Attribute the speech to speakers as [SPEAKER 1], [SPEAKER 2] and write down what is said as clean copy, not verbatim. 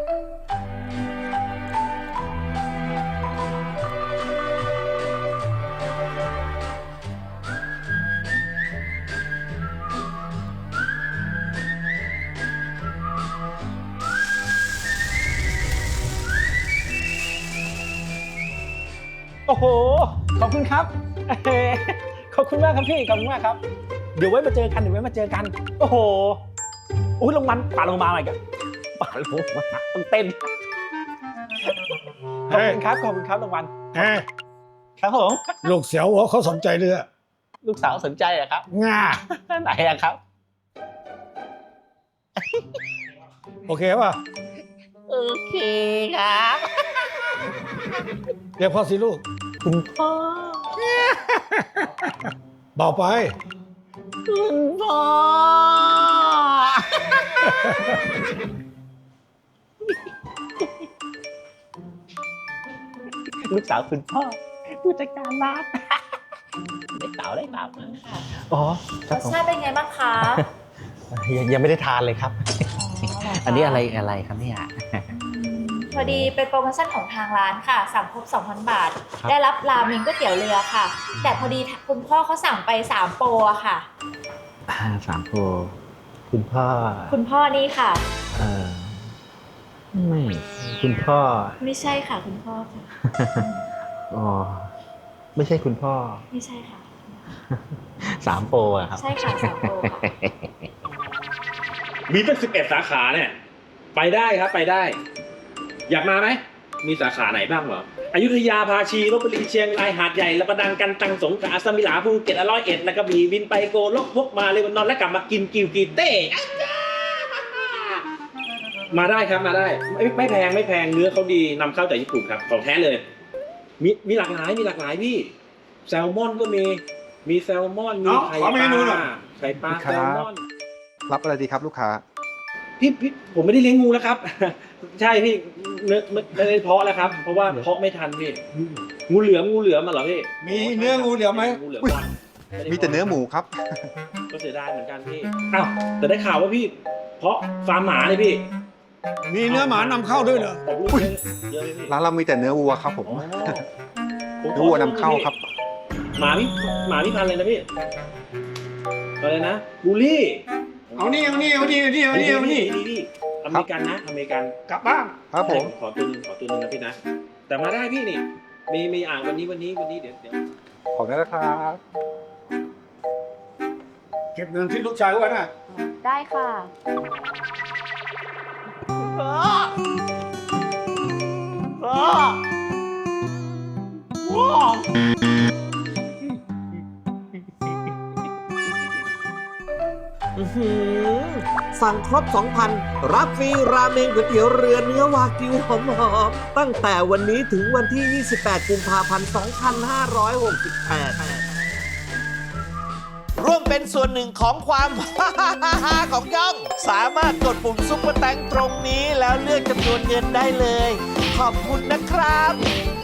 [SPEAKER 1] โอ้โหขอบคุณครับขอบคุณมากครับพี่ขอบคุณมากครับเดี๋ยวไว้มาเจอกันโอ้โหอุ้ยรางวัลป่าลงมาใหม่กันป่าลงมาต้องเต้นขอบคุณครับรางวัลครับผม
[SPEAKER 2] ลูกเสียวหัวเขาสนใจเรือ
[SPEAKER 1] ลูกสาวสนใจอะครับ
[SPEAKER 2] ง่า
[SPEAKER 1] ไหนอะครับ
[SPEAKER 2] โอเคป่ะ
[SPEAKER 1] โอเคครับ
[SPEAKER 2] เรียกพ่อสิลูก
[SPEAKER 1] คุณพ่อ
[SPEAKER 2] เบาไป
[SPEAKER 1] คุณพ่อ ลูกสาวคุณพ่อผู้จัดการร้านได้เต่าอ๋อ
[SPEAKER 3] รสชาติเป็นไงบ้างคะ
[SPEAKER 1] ยังไม่ได้ทานเลยครับ อันนี้อะไรครับเนี่ย
[SPEAKER 3] พอดีเป็นโปรโมชั่นของทางร้านค่ะ สั่งครบ 2,000 บาท ได้รับราเมงก๋วยเตี๋ยวเรือค่ะ แต่พอดีคุณพ่อเขาสั่งไป3โปรอะค่ะ
[SPEAKER 1] 3 โปรคุณพ่อ
[SPEAKER 3] คุณพ่อนี่ค่ะ
[SPEAKER 1] ไม่คุณพ่อ
[SPEAKER 3] ไม่ใช่ค่ะคุณพ่อค่ะ
[SPEAKER 1] อ๋อไม่ใช่คุณพ่อ
[SPEAKER 3] ไม่ใช่ค่ะ
[SPEAKER 1] 3 โปรอะครับ
[SPEAKER 3] ใช่ค่ะ3โปรค่ะ
[SPEAKER 4] มีตั้ง11 สาขาเนี่ย ไปได้ครับไปได้ อยากมาไหมมีสาขาไหนบ้างเหรออยุธยาภาชีลพบุรีเชียงรายหาดใหญ่ละประดังกันตังสงขลาสมิลาภูเก็ต101แล้วก็บีบินไปโกลกพกมาเลวันนอนและกลับมากินกิวกีเต้มาได้ครับมาได้ไม่แพงเนื้อเขาดีนำเข้าจากญี่ปุ่นครับของแท้เลยมีหลากหลายพี่แซลมอนก็มีแซลมอนมีไข่ปลาแซลมอน
[SPEAKER 5] รับอะไรดีครับลูกค้า
[SPEAKER 4] พี่ผมไม่ได้เลี้ยงงูแล้วครับ ใช่พี่ไม่ได้เพาะแล้วครับ เพราะว่าเพาะไม่ทันพี่งูเหลือมมาเหรอพี่
[SPEAKER 2] มีเนื้องูเหลือมไหม
[SPEAKER 4] งูเหลือมก่อน
[SPEAKER 5] มีแต่เนื้อหมูครับ
[SPEAKER 4] ก็เสียดายเหมือนกันพี่อ้าวแต่ได้ข่าวว่าพี่ เพาะฟาร์มหมาเลยพี่
[SPEAKER 2] มีเนื้อหมานำเข้าด้วยเหรอ
[SPEAKER 4] ผมรู้เยอะเลยพี่
[SPEAKER 5] ร้านเรามีแต่เนื้อวัวครับผม
[SPEAKER 4] อ๋อ
[SPEAKER 5] เนื้อวัวนำเข้าครับ
[SPEAKER 4] หมาพี่พันธุ์เลยนะพี่อะไรนะบูลลี่
[SPEAKER 2] เอานี่
[SPEAKER 4] นี่อเมริกันนะอเมริกัน
[SPEAKER 2] กลับบ้าน
[SPEAKER 5] ครับผม
[SPEAKER 4] ขอตัวนึงนะพี่นะแต่มาได้พี่นี่มีอ่างวันนี้เดี๋ยว
[SPEAKER 5] ของนั้นนะครับ
[SPEAKER 2] เก็บเงินที่ลูกชายไว้นะ
[SPEAKER 3] ได้ค่ะ
[SPEAKER 6] สั่งครบ 2,000 รับฟรีราเมงก๋วยเตี๋ยวเรือเนื้อวากิวหอมๆตั้งแต่วันนี้ถึงวันที่ 28 กุมภาพันธ์ 2568 ร่วมเป็นส่วนหนึ่งของความ ของย่อง สามารถกดปุ่มซุปเปอร์แตงตรงนี้แล้วเลือกจำนวนเงินได้เลย ขอบคุณนะครับ